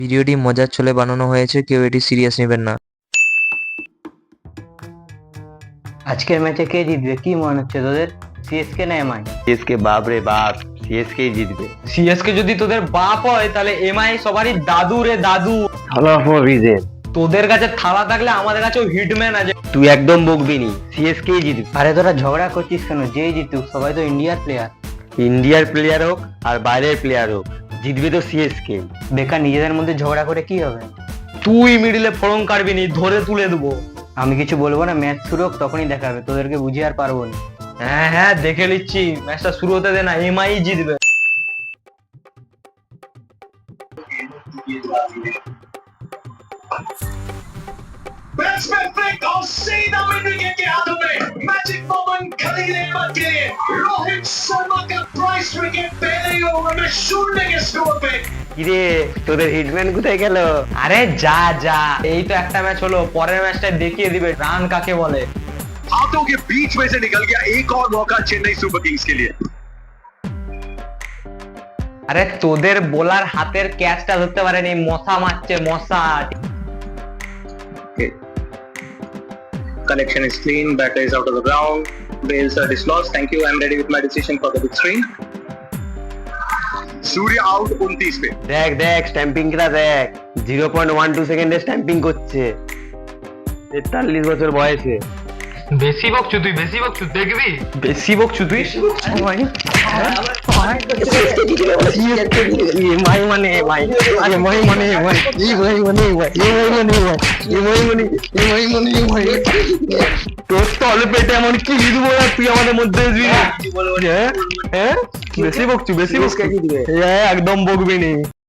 ভিডিওটি মজার ছলে বানানো হয়েছে, কেউ এটি সিরিয়াস নেবেন না। আজকের ম্যাচে কে জিতবে কি মনে হচ্ছে তোদের? সিএসকে না এমআই? সিএসকে বাপ রে বাপ, সিএসকে জিতবে। সিএসকে যদি তোদের বাপ হয় তাহলে এমআই সবারই দাদু রে দাদু। থালা ফর রিজেন। তোদের কাছে থালা থাকলে আমাদের কাছেও হিটম্যান আছে। তুই একদম বকবি নি, সিএসকে জিতবে। আরে তোরা ঝগড়া করছিস কেন? যেই জিতুক, সবাই তো ইন্ডিয়ার প্লেয়ার। ইন্ডিয়ার প্লেয়ার হোক আর বাইরের প্লেয়ার হোক, জিতবে তো সিএসকে। বেকার নিজেদের মধ্যে ঝগড়া করে কি হবে? তুই মিডিলে ফড়ং কাটবি নি, ধরে তুলে দেবো। আমি কিছু বলবো না, ম্যাচ শুরু হোক তখনই দেখাবে, তোদেরকে বুঝিয়ে আর পারবো না। হ্যাঁ হ্যাঁ দেখে নিচ্ছি, ম্যাচটা শুরু হতে দে না, এমআই জিতবে। बैट्समैन फ्लिक और सीधा मिड विकेट के हाथों में। मैजिक मोमेंट खरीद अहमद के लिए रोहित शर्मा का प्राइस विकेट पहले ही ओवर में शून्य के स्कोर पे। কিরে তোদের হিটম্যান কোথায় গেল? আরে যা যা, এই তো একটা ম্যাচ হলো, পরের ম্যাচটা দেখিয়ে দিবে রান কাকে বলে। हाथों के बीच में से निकल गया एक और मौका चेन्नई सुपर किंग्स के लिए। আরে তোদের বোলার হাতের ক্যাচটা ধরতে পারেনি, মশা মারছে মশা। Connection is clean, batter is out of the ground, bails are dislodged. Thank you, I'm ready with my decision for the big screen. Surya out 29 पे। দেখ দেখ স্ট্যাম্পিংটা দেখ, 0.12 সেকেন্ডে স্ট্যাম্পিং করছে 43 বছর বয়সে। বেশি বকছু তুই, বেশি বকছু, দেখবি বেশি বকছু তুই। এমআই মানে এমআই, এমআই মানে এমআই, এমআই মানে এমআই, এমআই মানে এমআই, এমআই মানে এমআই মানে এমআই। তোর তলে পেটে এমন কি দিব না, তুই আমাদের মধ্যে আসবি না। হ্যাঁ হ্যাঁ বেশি বকছু, বেশি বকছু, একদম বকবি নি।